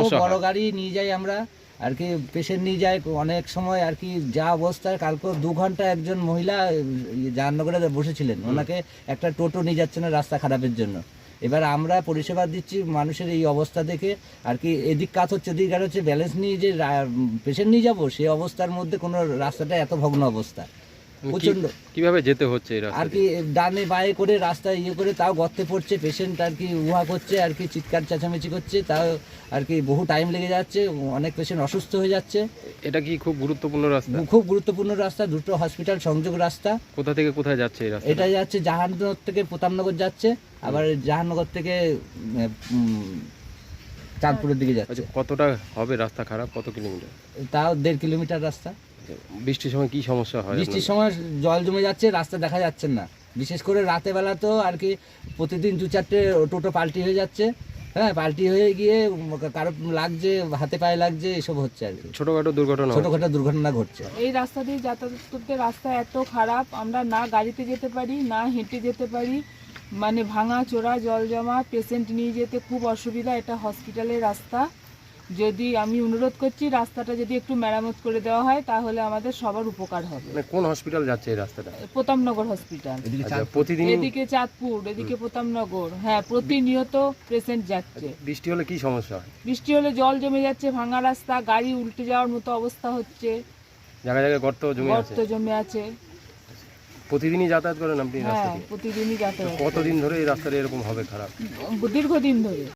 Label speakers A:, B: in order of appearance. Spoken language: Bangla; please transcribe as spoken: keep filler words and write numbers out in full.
A: সমস্যা
B: বড়
A: হয়?
B: গাড়ি নিয়ে যাই আমরা আর কি, পেশেন্ট নিয়ে যাই অনেক সময় আর কি। যা অবস্থায় কালকে দু ঘন্টা একজন মহিলা জাহান্নগরে বসেছিলেন, ওনাকে একটা টোটো নিয়ে যাচ্ছে না রাস্তা খারাপের জন্য। এবার আমরা পরিষেবা দিচ্ছি মানুষের এই অবস্থা দেখে আর কি, এদিক কাজ হচ্ছে ওদিক কাজ হচ্ছে, ব্যালেন্স নিয়ে যে পেশেন্ট নিয়ে যাবো সেই অবস্থার মধ্যে কোনো রাস্তাটা এত ভগ্ন অবস্থা,
A: মানে কি-
B: প্রচণ্ড
A: কিভাবে যেতে হচ্ছে এই রাস্তা
B: আর কি। ডানে বায়ে করে রাস্তায় ইয়ে করে তাও গর্তে পড়ছে পেশেন্ট আর কি, উহা করছে আর কি, চিৎকার চেঁচামেচি করছে, তাও আর কি বহু টাইম লেগে যাচ্ছে, অনেক পেশেন্ট অসুস্থ হয়ে যাচ্ছে।
A: এটা কি খুব গুরুত্বপূর্ণ রাস্তা?
B: খুব গুরুত্বপূর্ণ রাস্তা, দুটো হসপিটাল সংযোগ রাস্তা।
A: কোথা থেকে কোথায় যাচ্ছে এই রাস্তা?
B: এটা যাচ্ছে জাহানগর থেকে প্রতাপনগর যাচ্ছে, আবার জাহানগর থেকে উম, চাঁদপুরের দিকে যাচ্ছে।
A: আচ্ছা, কতটা হবে রাস্তা খারাপ, কত কিলোমিটার?
B: তাও দেড় কিলোমিটার রাস্তা।
A: বৃষ্টির সময় কি সমস্যা হয়
B: বৃষ্টির
A: আপনাদের?
B: সময় জল জমে যাচ্ছে, রাস্তা দেখা যাচ্ছে না, বিশেষ করে রাতে বেলা তো আর কি প্রতিদিন দু চারটে টোটো পাল্টি হয়ে যাচ্ছে। হ্যাঁ, পাল্টি হয়ে গিয়ে কারো লাগছে, হাতে পায়ে লাগছে, এসব হচ্ছে আর কি,
A: ছোটখাটো দুর্ঘটনা হচ্ছে।
B: ছোটখাটো দুর্ঘটনা ঘটছে।
C: এই রাস্তা দিয়ে যাতায়াত করতে রাস্তা এত খারাপ, আমরা না গাড়িতে যেতে পারি না হেঁটে যেতে পারি, মানে ভাঙা চোরা জল জমা, পেশেন্ট নিয়ে যেতে খুব অসুবিধা। এটা হসপিটালের রাস্তা, যদি আমি অনুরোধ করছি রাস্তাটা যদি একটু মেরামত করে দেওয়া হয় তাহলে আমাদের সবার উপকার হবে।
A: মানে কোন হসপিটাল যাচ্ছে এই রাস্তাটা?
C: প্রতাপনগর হসপিটাল,
A: আচ্ছা, প্রতিদিন
C: এদিকে চাঁদপুর, এদিকে প্রতাপনগর। হ্যাঁ, প্রতিনিয়ত পেশেন্ট যাচ্ছে।
A: বৃষ্টি হলে কি সমস্যা হয়?
C: বৃষ্টি হলে জল জমে যাচ্ছে, ভাঙা রাস্তা, গাড়ি উল্টে যাওয়ার মতো অবস্থা হচ্ছে,
A: জায়গায় জায়গায় গর্ত জমে আছে।
C: গর্ত জমে আছে।
A: প্রতিদিনই যাতায়াত করেন আপনি এই রাস্তা
C: হ্যাঁ,
A: দিয়ে?
C: প্রতিদিনই যাতায়াত,
A: কতদিন ধরে এই রাস্তাটা এরকম হবে খারাপ?
C: দীর্ঘদিন ধরে।